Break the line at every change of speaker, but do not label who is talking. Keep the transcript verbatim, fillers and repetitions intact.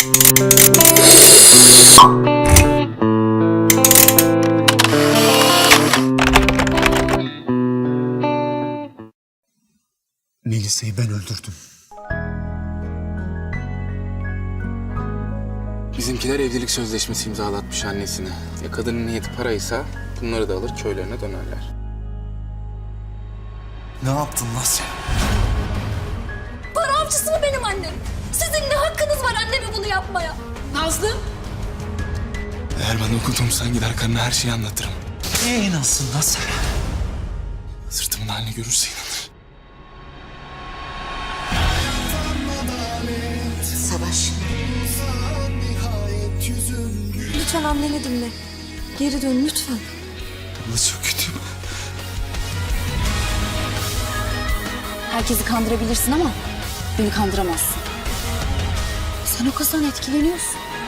Melisa'yı ben öldürdüm.
Bizimkiler evlilik sözleşmesi imzalatmış annesine. Ya kadının niyeti paraysa bunları da alır köylerine dönerler.
Ne yaptın lan sen?
Para avcısı mı benim annem? Sizin ne hakkınız var anneme bunu yapmaya? Nazlı?
Eğer bana okudumsan gider karına her şeyi anlatırım.
Neye inansın lan sen?
Sırtımın halini görürse inanır.
Savaş. Lütfen anneni dinle. Geri dön lütfen.
Abla çok kötüyüm.
Herkesi kandırabilirsin ama beni kandıramazsın. Sen o kızdan etkileniyorsun.